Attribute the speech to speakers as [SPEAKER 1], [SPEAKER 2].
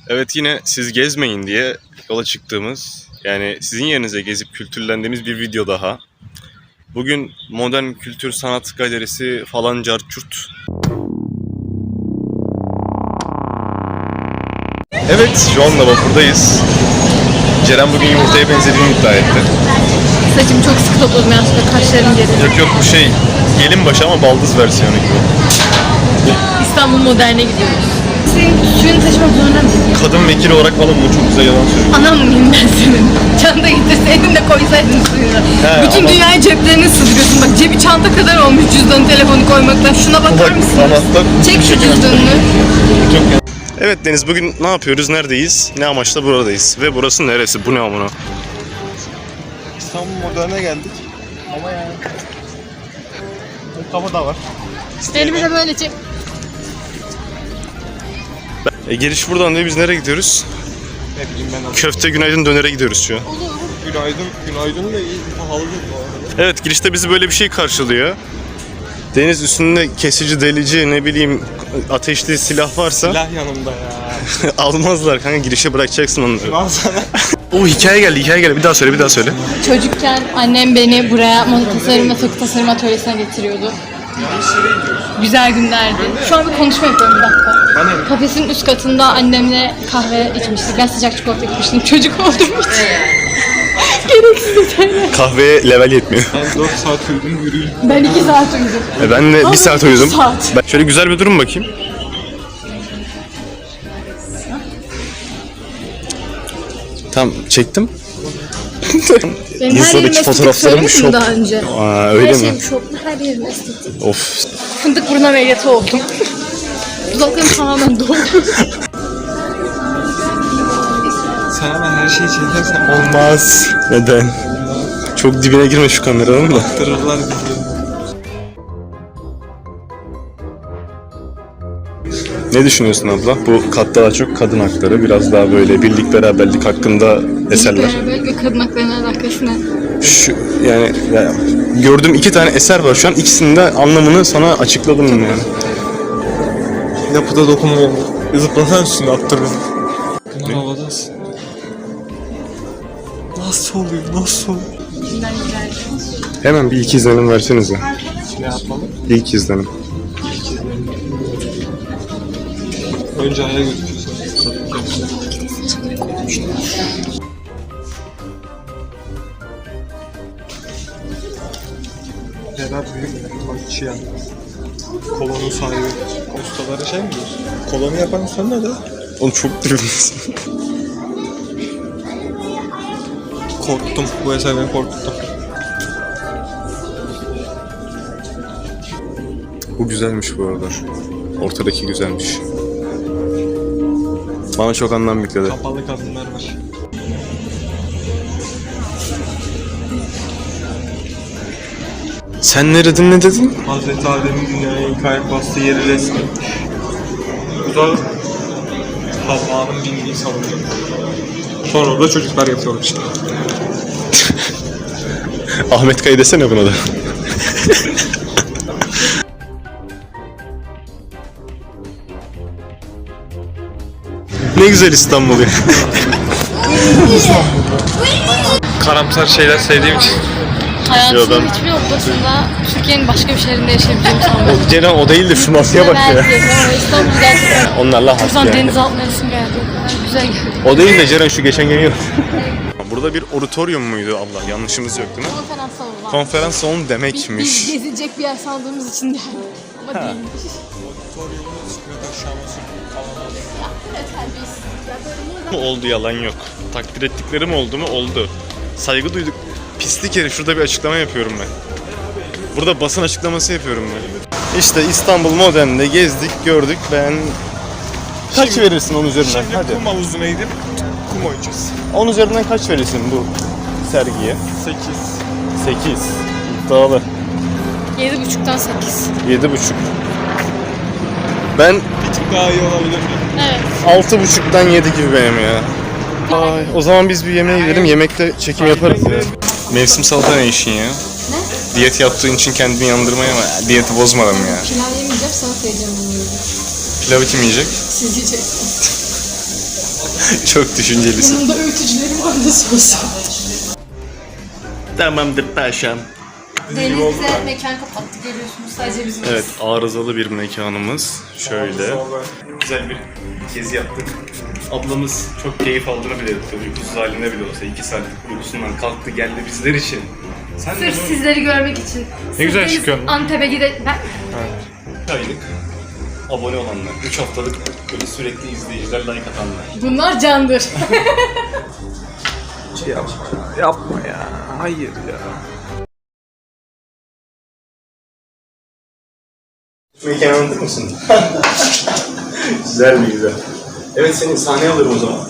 [SPEAKER 1] Evet, yine siz gezmeyin diye yola çıktığımız, yani sizin yerinize gezip kültürlendiğimiz bir video daha. Bugün Modern Kültür Sanat Galerisi falan carçurt. Evet, şu anda vapurdayız. Ceren bugün yumurtaya benzediğini iddia etti.
[SPEAKER 2] Saçımı çok sıkı topladım yanlışlıkla, kaşlarım geri.
[SPEAKER 1] Yok bu şey, gelin başı ama baldız versiyonu gibi.
[SPEAKER 2] İstanbul Modern'e gidiyoruz. Senin suyunu taşımak zorunda mısın?
[SPEAKER 1] Kadın vekili olarak falan bu çok güzel yalan söylüyor.
[SPEAKER 2] Anam mıyım ben senin? Çanta getirseydin de koysaydın suyunu. Bütün dünyayı ceplerine sığdırıyorsun. Bak cebi çanta kadar olmuş cüzdanı, telefonu koymaktan. Şuna bakar mısın? Çek şu cüzdanını.
[SPEAKER 1] Evet Deniz, bugün ne yapıyoruz, neredeyiz, ne amaçla buradayız ve burası neresi, bu ne amına?
[SPEAKER 3] İstanbul Modern'e geldik ama yani kafa da var.
[SPEAKER 2] Elimi de böyle çek.
[SPEAKER 1] Giriş buradan diye biz nereye gidiyoruz?
[SPEAKER 3] Ne bileyim ben.
[SPEAKER 1] Köfte Günaydın Döner'e gidiyoruz şu an.
[SPEAKER 3] Günaydın da iyi pahalı bu arada.
[SPEAKER 1] Evet, girişte bizi böyle bir şey karşılıyor. Deniz üstünde kesici, delici, ne bileyim ateşli silah varsa
[SPEAKER 3] Silah yanımda ya.
[SPEAKER 1] almazlar kanka, girişe bırakacaksın onları.
[SPEAKER 3] Al sana.
[SPEAKER 1] Oo, hikaye geldi, bir daha söyle.
[SPEAKER 2] Çocukken annem beni buraya moda tasarım ve takı tasarım atölyesine getiriyordu. Güzel günlerdi. Şu an bir konuşma yapıyorum, bir dakika. Kafesin üst katında annemle kahve içmiştik. Ben sıcak çikolata içmiştim. Çocuk olduğum için. Gereksiz detaylar.
[SPEAKER 1] Kahveye level yetmiyor.
[SPEAKER 3] Ben 4 saat uyudum, yürüyün.
[SPEAKER 2] Ben 2 saat uyudum.
[SPEAKER 1] Ben de 1 saat uyudum.
[SPEAKER 2] saat.
[SPEAKER 1] Ben şöyle güzel bir durum bakayım. Tamam, çektim.
[SPEAKER 2] Benim her yerim estetik, söylemiştim
[SPEAKER 1] şok.
[SPEAKER 2] daha önce.
[SPEAKER 1] Aa, öyle
[SPEAKER 2] Her
[SPEAKER 1] mi?
[SPEAKER 2] şeyim şoklu, her yerim estetik.
[SPEAKER 1] Of.
[SPEAKER 2] Fındık burun ameliyatı oldum. Dudaklarım tamamen doldu.
[SPEAKER 3] Sen hemen her şeyi çekersen
[SPEAKER 1] Olmaz. Neden? Çok dibine girme şu kameranın da.
[SPEAKER 3] baktırırlar bizi.
[SPEAKER 1] Ne düşünüyorsun abla? Bu kat daha çok kadın hakları, biraz daha böyle birlik beraberlik hakkında eserler.
[SPEAKER 2] Beraberlik ve kadın haklarının alakası ne?
[SPEAKER 1] Şu yani gördüğüm 2 tane eser var şu an. İkisinin de anlamını sana açıkladım yani.
[SPEAKER 3] Yapıda dokunma oldu. Zıplasan üstüne attır beni. Bunlar havadasın. Nasıl oluyor?
[SPEAKER 2] İçinden güzel.
[SPEAKER 1] Hemen bir ilk izlenim versenize.
[SPEAKER 3] Ne yapalım?
[SPEAKER 1] İlk izlenim.
[SPEAKER 3] Önce aya götüreceğiz. Berat büyük bakçıyan. Kolonun sahibi. Ustalara şey mi diyorsun? Kolonu yapan sen ne de?
[SPEAKER 1] Oğlum çok dibimdesin.
[SPEAKER 3] Korktum. Bu eser beni korkuttu.
[SPEAKER 1] Bu güzelmiş bu arada. Ortadaki güzelmiş. Bana çok anlam yükledi.
[SPEAKER 3] Kapalı kadınlar var.
[SPEAKER 1] Sen ne dedin?
[SPEAKER 3] Hazreti Adem'in dünyaya ilk ayak bastığı yeri resmetmiş. Bu da Havva'nın bindiği salonu. Sonra orada çocuklar yapıyorlar işte.
[SPEAKER 1] Ahmet Kaya desene buna da. Ne güzel İstanbul ya.
[SPEAKER 3] Karamsar şeyler sevdiğim için.
[SPEAKER 2] Hayatımın hiçbir noktasında Türkiye'nin başka bir şehrinde yaşayabileceğimi sanmıyorum.
[SPEAKER 1] Ceren o değil de şu masaya bak ya.
[SPEAKER 2] İstanbul gerçekten.
[SPEAKER 1] Onlarla has
[SPEAKER 2] Buradan
[SPEAKER 1] yani.
[SPEAKER 2] deniz altına resim geldi. O kadar güzel geldi.
[SPEAKER 1] O değil de Ceren şu geçen geliyor. Burada bir auditorium muydu abla? Yanlışımız yok değil mi?
[SPEAKER 2] Konferans salonu var.
[SPEAKER 1] Konferans salonu
[SPEAKER 2] Biz
[SPEAKER 1] demekmiş.
[SPEAKER 2] gezilecek bir yer sandığımız için geldik. Ama değilmiş.
[SPEAKER 1] Oldu, yalan yok. Takdir ettiklerim oldu mu? Oldu. Saygı duyduk. Pislik herif, şurada bir açıklama yapıyorum ben. Burada basın açıklaması yapıyorum ben. İşte İstanbul Modern'de gezdik, gördük. Ben... Kaç verirsin onun üzerinden?
[SPEAKER 3] Şimdi
[SPEAKER 1] Hadi.
[SPEAKER 3] kum havuzuna gidip kum oynayacağız.
[SPEAKER 1] 10 üzerinden kaç verirsin bu sergiye?
[SPEAKER 3] 8.
[SPEAKER 1] 8. İddialı.
[SPEAKER 2] 7,5'tan 8.
[SPEAKER 1] 7,5. Ben
[SPEAKER 3] Bir tık daha iyi olabilir mi?
[SPEAKER 2] Evet.
[SPEAKER 1] 6,5'dan 7 gibi benim ya. Ay, o zaman biz bir yemeğe gidelim. Yemekte çekim yaparız ya. Mevsim salata ne işin ya?
[SPEAKER 2] Ne?
[SPEAKER 1] Diyet yaptığın için kendini yandırmaya ama diyeti bozmadım ya.
[SPEAKER 2] Pilav yemeyeceğim, salata yiyeceğim bunu.
[SPEAKER 1] Pilavı kim yiyecek?
[SPEAKER 2] Siz yiyeceksiniz.
[SPEAKER 1] Çok düşüncelisin.
[SPEAKER 2] Yanımda öğütücülerim vardı sosu.
[SPEAKER 1] Tamamdır paşam.
[SPEAKER 2] Deniz bize mekan kapattı görüyorsunuz sadece bizim.
[SPEAKER 1] Evet, arızalı bir mekanımız. Şöyle. Güzel bir gezi yaptık. Ablamız çok keyif aldığını bile etti. Uykusuz halinde bile olsa 2 saatlik uykusundan kalktı geldi bizler için. Sen de
[SPEAKER 2] Sırf sizleri görmek için.
[SPEAKER 1] Ne güzel
[SPEAKER 2] Sırf
[SPEAKER 1] çıkıyorsun.
[SPEAKER 2] Antep'e gidelim.
[SPEAKER 1] aylık abone olanlar, 3 haftalık böyle sürekli izleyiciler, like atanlar.
[SPEAKER 2] Bunlar candır.
[SPEAKER 3] Yapma ya. Hayır ya.
[SPEAKER 1] Mekanı anlatır mısın? Güzel mi güzel? Evet, seni sahneye alırım o zaman.